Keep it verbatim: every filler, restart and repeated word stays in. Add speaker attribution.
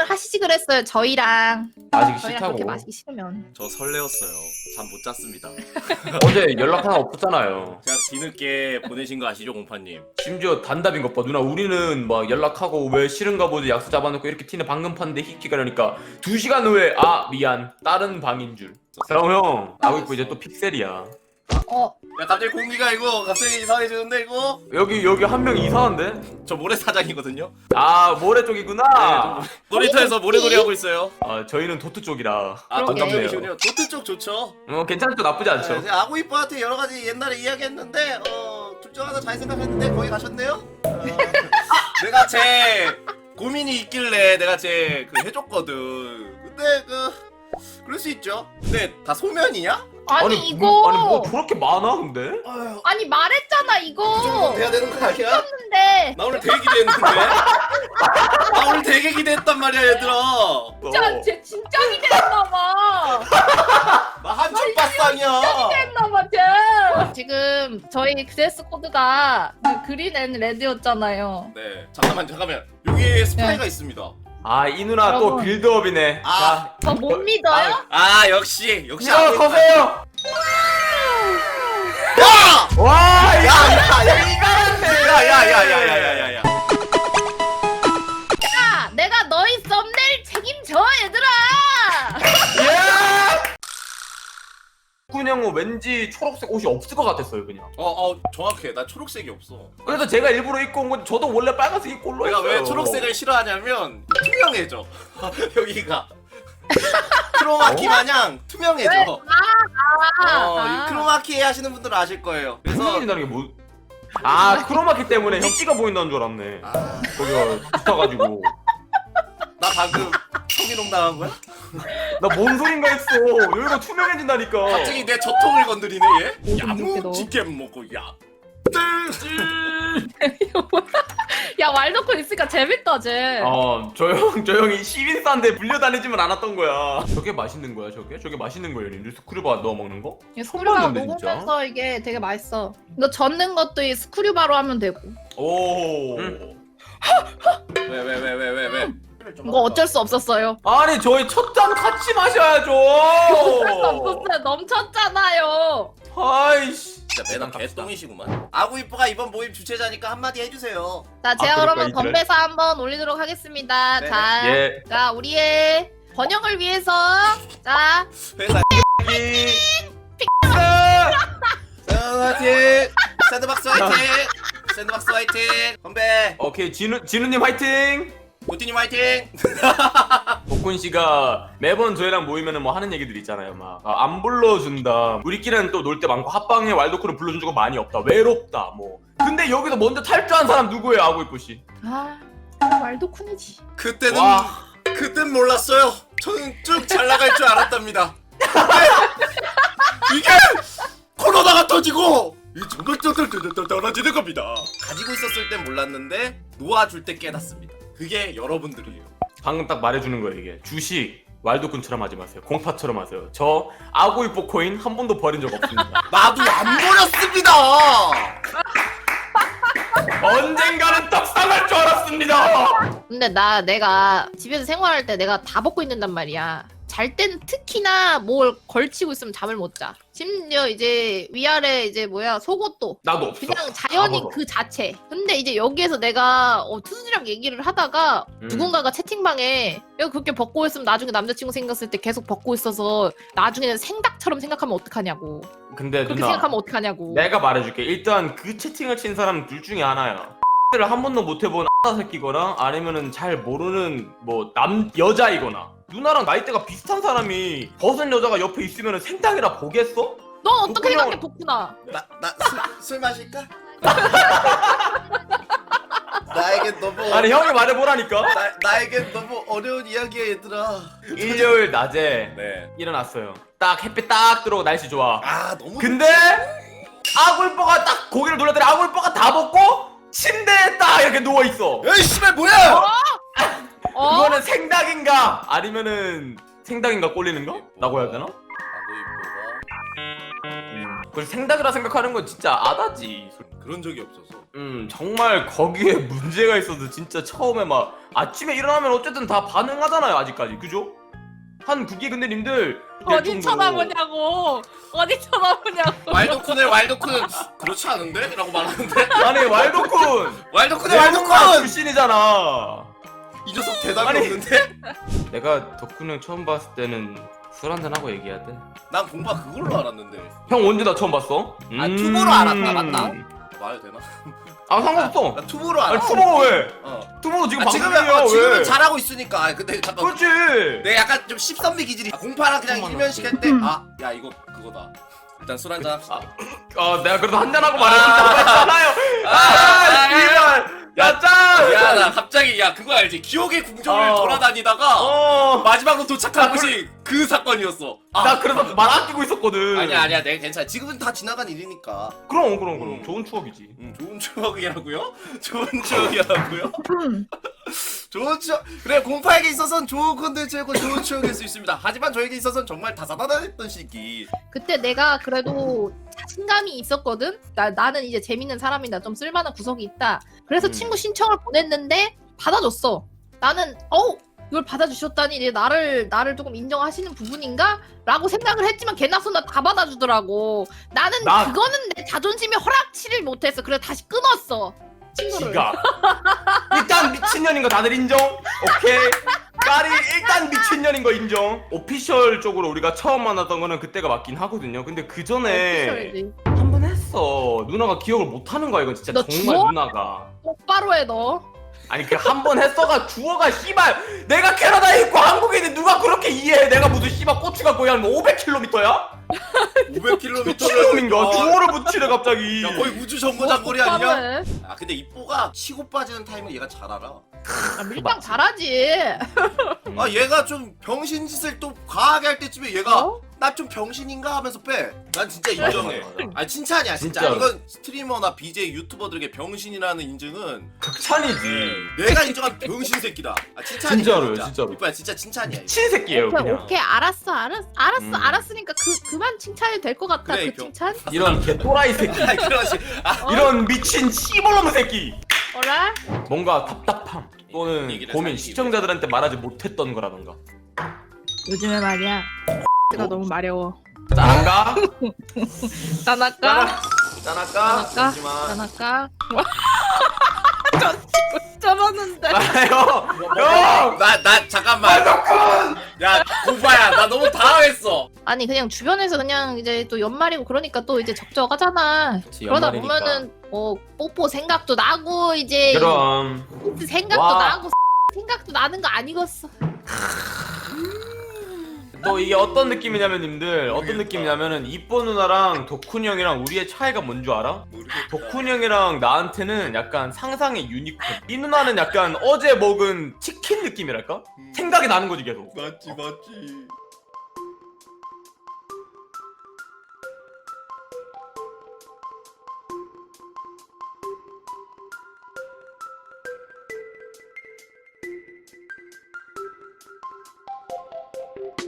Speaker 1: 한잔 하시지 그랬어요. 저희랑.
Speaker 2: 마시기
Speaker 1: 저희랑
Speaker 2: 싫다고.
Speaker 1: 그렇게 마시기 싫으면.
Speaker 3: 저 설레었어요. 잠 못 잤습니다.
Speaker 2: 어제 연락 하나 없었잖아요.
Speaker 3: 제가 뒤늦게 보내신 거 아시죠, 공파님?
Speaker 2: 심지어 단답인 것 봐. 누나 우리는 막 연락하고 왜 싫은가 보지 약속 잡아놓고 이렇게 티는 방금 팠는데 히키가 이러니까 두 시간 후에 아 미안 다른 방인 줄. 그럼 형 나고 있고 이제 또 픽셀이야.
Speaker 1: 어.
Speaker 3: 야, 갑자기 공기가 이거 갑자기 이상해지는데 이거?
Speaker 2: 여기 여기 한 명 이상한데?
Speaker 3: 저 모래사장이거든요?
Speaker 2: 아 모래 쪽이구나.
Speaker 3: 네, 놀이터에서 모래놀이 하고 있어요.
Speaker 2: 아 저희는 도트 쪽이라.
Speaker 3: 아, 도트
Speaker 1: 그러게.
Speaker 3: 쪽이시군요. 도트 쪽 좋죠.
Speaker 2: 어 괜찮죠 나쁘지 않죠.
Speaker 3: 네, 제가 아구이뽀한테 여러 가지 옛날에 이야기했는데 어, 둘 중 하나 잘 생각했는데 거기 가셨네요? 어, 내가 제 고민이 있길래 내가 제 그 해줬거든. 근데 그 그럴 수 있죠. 근데 다 소면이냐?
Speaker 1: 아니, 이거.
Speaker 2: 뭐, 아니 뭐 저렇게 많아 근데?
Speaker 3: 아휴,
Speaker 1: 아니 말했잖아
Speaker 3: 이 정도
Speaker 1: 이거.
Speaker 3: 돼야 되는 거 아니야?
Speaker 1: 근데
Speaker 3: 나 오늘 되게 기대했는데? 나 오늘 되게 기대했단 말이야 얘들아.
Speaker 1: 진짜 쟤 진짜 기대했나봐.
Speaker 3: 나 한쪽 바쌍이야.
Speaker 1: 기대했나봐 쟤. 지금 저희 드레스 코드가 그 그린 앤 레드였잖아요.
Speaker 3: 네, 잠깐만 잠깐만. 여기에 스파이가 있습니다.
Speaker 2: 아 이 누나 또
Speaker 1: 여러분.
Speaker 2: 빌드업이네.
Speaker 3: 아.
Speaker 1: 저 못 믿어요?
Speaker 3: 아 역시 역시
Speaker 2: 자
Speaker 3: 아구이뽀.
Speaker 2: 서세요.
Speaker 3: 야!
Speaker 2: 와 이거
Speaker 3: 야야야야야야야야야야.
Speaker 1: 야, 내가 너희 썸네일 책임져 얘들아.
Speaker 2: 예! 군형은 왠지 초록색 옷이 없을 것 같았어요 그냥.
Speaker 3: 어, 어, 정확해. 나 초록색이 없어.
Speaker 2: 그래서 제가 일부러 입고 온 건데 저도 원래 빨간색 입고 올라
Speaker 3: 내가
Speaker 2: 했어요.
Speaker 3: 왜 초록색을 싫어하냐면 투명해져. 여기가 크로마키 마냥 투명해져.
Speaker 1: 왜? 아,
Speaker 3: 어,
Speaker 1: 아.
Speaker 3: 이 크로마키 하시는 분들은 아실 거예요. 그래서
Speaker 2: 투명해진다는 게 뭐? 아 크로마키 때문에 형 찌가 보인다는 줄 알았네.
Speaker 3: 아,
Speaker 2: 거기가 붙어가지고.
Speaker 3: 나 방금 성희롱 당한 거야?
Speaker 2: 나 뭔 소린가 했어. 여기가 투명해진다니까.
Speaker 3: 갑자기 내 저통을 건드리네 얘.
Speaker 1: 오, 좀 웃겨, 너.
Speaker 3: 야무지게 먹고 야.
Speaker 1: 야, 말 놓고 있으니까 재밌다 쟤.
Speaker 2: 어, 저 형, 저 형이 시민사인데 불려다니지만 않았던 거야. 저게 맛있는 거야, 저게? 저게 맛있는 거예요, 님들? 스크류바 넣어 먹는 거?
Speaker 1: 스크류바
Speaker 2: 봤는데, 진짜?
Speaker 1: 녹으면서 이게 되게 맛있어. 이거 젓는 것도 이 스크류바로 하면 되고.
Speaker 2: 오.
Speaker 3: 왜 왜 왜 왜 왜 왜?
Speaker 1: 이거 어쩔 수 없었어요.
Speaker 2: 아니, 저희 첫 잔 같이 마셔야죠.
Speaker 1: 어쩔 수 없었어요. 넘쳤잖아요.
Speaker 2: 아이씨.
Speaker 3: 진짜 매너 개똥이시구만. 아구이뽀가 이번 모임 주최자니까 한마디 해주세요.
Speaker 1: 자, 제가
Speaker 2: 아, 그럴까,
Speaker 1: 그러면
Speaker 2: 이들은?
Speaker 1: 건배사 한번 올리도록 하겠습니다.
Speaker 3: 네.
Speaker 1: 자,
Speaker 2: 예.
Speaker 1: 자, 우리의 번영을 위해서 자,
Speaker 3: 회사
Speaker 2: 이...
Speaker 3: 화이팅! 샌드박스 화이팅! 샌드박스 화이팅! 건배!
Speaker 2: 오케이, 진우, 진우님 화이팅!
Speaker 3: 고티님 화이팅!
Speaker 2: 복훈 씨가 매번 저희랑 모이면은 뭐 하는 얘기들 있잖아요. 막 안 불러준다. 우리끼리는 또 놀 때 많고 합방에 왈도크를 불러준 적은 많이 없다. 외롭다. 뭐. 근데 여기서 먼저 탈주한 사람 누구예요, 아구이뽀 씨?
Speaker 1: 아, 말도쿤이지.
Speaker 3: 그때는
Speaker 2: 와.
Speaker 3: 그땐 몰랐어요. 저는 쭉 잘 나갈 줄 알았답니다. 이게 코로나가 터지고 이 정글정글 떨어지는 겁니다. 가지고 있었을 땐 몰랐는데 놓아줄 때 깨닫습니다. 그게 여러분들이에요.
Speaker 2: 방금 딱 말해주는 거예요, 이게. 주식, 왈도쿤처럼 하지 마세요. 공파처럼 하세요. 저 아구이뽀 코인 한 번도 버린 적 없습니다.
Speaker 3: 나도 안 버렸습니다.
Speaker 2: 언젠가는 떡상할 줄 알았습니다.
Speaker 1: 근데 나 내가 집에서 생활할 때 내가 다 벗고 있는단 말이야. 잘 땐 특히나 뭘 걸치고 있으면 잠을 못 자. 심지어 이제 위아래 이제 뭐야 속옷도
Speaker 2: 나도 없어.
Speaker 1: 그냥 자연이
Speaker 2: 다 벗어.
Speaker 1: 그 자체. 근데 이제 여기에서 내가 어, 투순이랑 얘기를 하다가
Speaker 2: 음.
Speaker 1: 누군가가 채팅방에 야 그렇게 벗고 있으면 나중에 남자친구 생겼을 때 계속 벗고 있어서 나중에는 생닭처럼 생각하면 어떡하냐고.
Speaker 2: 근데
Speaker 1: 그렇게
Speaker 2: 누나,
Speaker 1: 생각하면 어떡하냐고.
Speaker 2: 내가 말해줄게. 일단 그 채팅을 친 사람 둘 중에 하나야. 를 한 번도 못 해본 새끼거나 아니면은 잘 모르는 뭐 남 여자이거나. 누나랑 나이대가 비슷한 사람이 벗은 여자가 옆에 있으면 생닭이라 보겠어?
Speaker 1: 넌 어떻게
Speaker 2: 그냥-
Speaker 1: 생각해 복구나?
Speaker 3: 나나술 마실까? 나에겐 너무
Speaker 2: 아니 형이 말해보라니까.
Speaker 3: 나 나에겐 너무 어려운 이야기야 얘들아.
Speaker 2: 일요일 낮에
Speaker 3: 네.
Speaker 2: 일어났어요. 딱 햇빛 딱 들어오고 날씨 좋아.
Speaker 3: 아 너무
Speaker 2: 근데 아굴뽀가 딱 고개를 놀랐더니 아굴뽀가 다 벗고 침대에 딱 이렇게 누워 있어.
Speaker 3: 에이 씨발 뭐야?
Speaker 1: 어?
Speaker 2: 그거는 생닭인가 아니면은 생닭인가 꼴리는가? 라고 해야 되나?
Speaker 3: 아구이뽀가
Speaker 2: 그걸 생닭이라 생각하는 건 진짜 아다지.
Speaker 3: 그런 적이 없어서.
Speaker 2: 음 정말 거기에 문제가 있어도 진짜 처음에 막 아침에 일어나면 어쨌든 다 반응하잖아요 아직까지 그죠? 한 그게 근데 님들
Speaker 1: 어디
Speaker 2: 정도로-
Speaker 1: 쳐다보냐고. 어디 쳐다보냐고.
Speaker 3: 왈도쿤의 왈도쿤은 그렇지 않은데? 라고 말하는데
Speaker 2: 아니 왈도쿤
Speaker 3: 왈도쿤의
Speaker 2: 외국가
Speaker 3: 왈도쿤!
Speaker 2: 출신이잖아.
Speaker 3: 이 녀석 대답이
Speaker 2: 아니.
Speaker 3: 없는데?
Speaker 2: 내가 덕훈 형 처음 봤을 때는 술 한잔 하고 얘기해야 돼.
Speaker 3: 난 공파 그걸로 알았는데.
Speaker 2: 형 언제 나 처음 봤어?
Speaker 3: 아,
Speaker 2: 음.
Speaker 3: 투보로 알았다, 맞다. 말해도 되나?
Speaker 2: 아 상관없어.
Speaker 3: 나 투보로
Speaker 2: 아니
Speaker 3: 알았어.
Speaker 2: 투모가 왜?
Speaker 3: 어.
Speaker 2: 투모도 지금
Speaker 3: 아, 지금은,
Speaker 2: 방송이야
Speaker 3: 어,
Speaker 2: 왜?
Speaker 3: 지금은 잘하고 있으니까. 아, 근데 잠깐.
Speaker 2: 그렇지.
Speaker 3: 내가 약간 좀 십선비 기질이. 아, 공파랑 그냥
Speaker 2: 잠깐만.
Speaker 3: 일면식 할 때, 아, 야 이거 그거다. 일단 술 한잔 합시다.
Speaker 2: 아 내가 그래도 한잔 하고 말했다고 했잖아요.
Speaker 3: 아,
Speaker 2: 아 이발. 야 짠.
Speaker 3: 야, 나 갑자기 야 그거 알지? 기억의 궁정을
Speaker 2: 어.
Speaker 3: 돌아다니다가
Speaker 2: 어.
Speaker 3: 마지막으로 도착한 곳이 그 사건이었어. 아,
Speaker 2: 나 그래서 말 아끼고 있었거든.
Speaker 3: 아니야 아니야 내가 괜찮아. 지금은 다 지나간 일이니까.
Speaker 2: 그럼 그럼 그럼
Speaker 3: 음.
Speaker 2: 좋은 추억이지.
Speaker 3: 음, 좋은 추억이라고요? 좋은 추억이라고요? 좋은 추억. 그래 공파에게 있어서는 좋은 콘텐츠고 좋은 추억일 수 있습니다. 하지만 저에게 있어서는 정말 다사다난했던 시기.
Speaker 1: 그때 내가 그래도 자신감이 있었거든. 나 나는 이제 재밌는 사람이다. 좀 쓸만한 구석이 있다. 그래서
Speaker 2: 음.
Speaker 1: 친구 신청을 보냈는데 받아줬어. 나는 어우 이걸 받아주셨다니 이제 나를 나를 조금 인정하시는 부분인가라고 생각을 했지만 개나소나 다 받아주더라고. 나는
Speaker 2: 나-
Speaker 1: 그거는 내 자존심에 허락치를 못했어. 그래서 다시 끊었어. 친구를.
Speaker 2: 지가 일단 미친년인 거 다들 인정? 오케이. 까리 일단 미친년인 거 인정. 오피셜 쪽으로 우리가 처음 만났던 거는 그때가 맞긴 하거든요. 근데 그 전에
Speaker 1: 오피셜이지.
Speaker 2: 한 번 했어. 누나가 기억을 못 하는 거야. 이건 진짜
Speaker 1: 너
Speaker 2: 정말
Speaker 1: 주워?
Speaker 2: 누나가.
Speaker 1: 똑바로 해 너.
Speaker 2: 아니 그 한 번 했어가 주어가 씨발 내가 캐나다에 있고 한국에 있는데 누가 그렇게 이해해. 내가 무슨 씨발 고추가 거의 한 오백 킬로미터야?
Speaker 3: 오백 킬로미터.
Speaker 2: 미친놈인가? 주어를 붙이래 갑자기.
Speaker 3: 야 거의 우주 정거장거리 아니냐?
Speaker 1: 똑바로 해.
Speaker 3: 아 근데 이뽀가 치고 빠지는 타임을 얘가 잘 알아.
Speaker 1: 아, 밀당 잘하지.
Speaker 3: 아 얘가 좀 병신짓을 또 과하게 할 때쯤에 얘가
Speaker 1: 어?
Speaker 3: 나 좀 병신인가 하면서 빼. 난 진짜 인정해.
Speaker 2: 맞아, 맞아.
Speaker 3: 아 칭찬이야 진짜.
Speaker 2: 진짜로.
Speaker 3: 이건 스트리머나 비제이 유튜버들에게 병신이라는 인증은
Speaker 2: 극찬이지.
Speaker 3: 내가 인정한 병신 새끼다. 아 칭찬이야.
Speaker 2: 진짜로요,
Speaker 3: 진짜.
Speaker 2: 진짜로.
Speaker 3: 이뻐야 진짜 칭찬이야. 이거.
Speaker 2: 미친 새끼예요
Speaker 1: 오케이,
Speaker 2: 그냥.
Speaker 1: 오케이 알았어 알았어 알았어
Speaker 2: 음.
Speaker 1: 알았으니까 그 그만 칭찬이 될 것 같아.
Speaker 3: 그래,
Speaker 1: 그
Speaker 3: 경-
Speaker 1: 칭찬.
Speaker 2: 이런 개또라이 새끼.
Speaker 3: 아니 그러지. 아,
Speaker 1: 어?
Speaker 2: 이런 미친 씨발놈 새끼.
Speaker 1: 어라?
Speaker 2: 뭔가 답답함 또는
Speaker 3: 얘기를
Speaker 2: 고민
Speaker 3: 살리기
Speaker 2: 시청자들한테 말하지 못했던 거라던가.
Speaker 1: 요즘에 말이야. 가 너무 마려워.
Speaker 2: 짠할까?
Speaker 1: 짠할까?
Speaker 2: 짠할까?
Speaker 1: 짠할까?
Speaker 2: 잠시만.
Speaker 1: 짠할까? 짠았는데.
Speaker 2: 아요 형!
Speaker 3: 나, 나, 잠깐만. 야, 공파야, 나 너무 당황했어.
Speaker 1: 아니 그냥 주변에서 그냥 이제 또 연말이고 그러니까 또 이제 적적하잖아.
Speaker 2: 그치,
Speaker 1: 그러다
Speaker 2: 연말이니까.
Speaker 1: 보면은 어 뽀뽀 생각도 나고 이제
Speaker 2: 그럼
Speaker 1: 힌트 생각도
Speaker 2: 와.
Speaker 1: 나고 생각도 나는 거 아니겠어.
Speaker 2: 또 이게 어떤 느낌이냐면 님들 어떤
Speaker 3: 모르겠다.
Speaker 2: 느낌이냐면은 이뻐 누나랑 덕훈 형이랑 우리의 차이가 뭔 줄 알아?
Speaker 3: 모르겠다.
Speaker 2: 덕훈 형이랑 나한테는 약간 상상의 유니콘. 이 누나는 약간 어제 먹은 치킨 느낌이랄까?
Speaker 3: 음.
Speaker 2: 생각이 나는 거지 계속.
Speaker 3: 맞지, 맞지.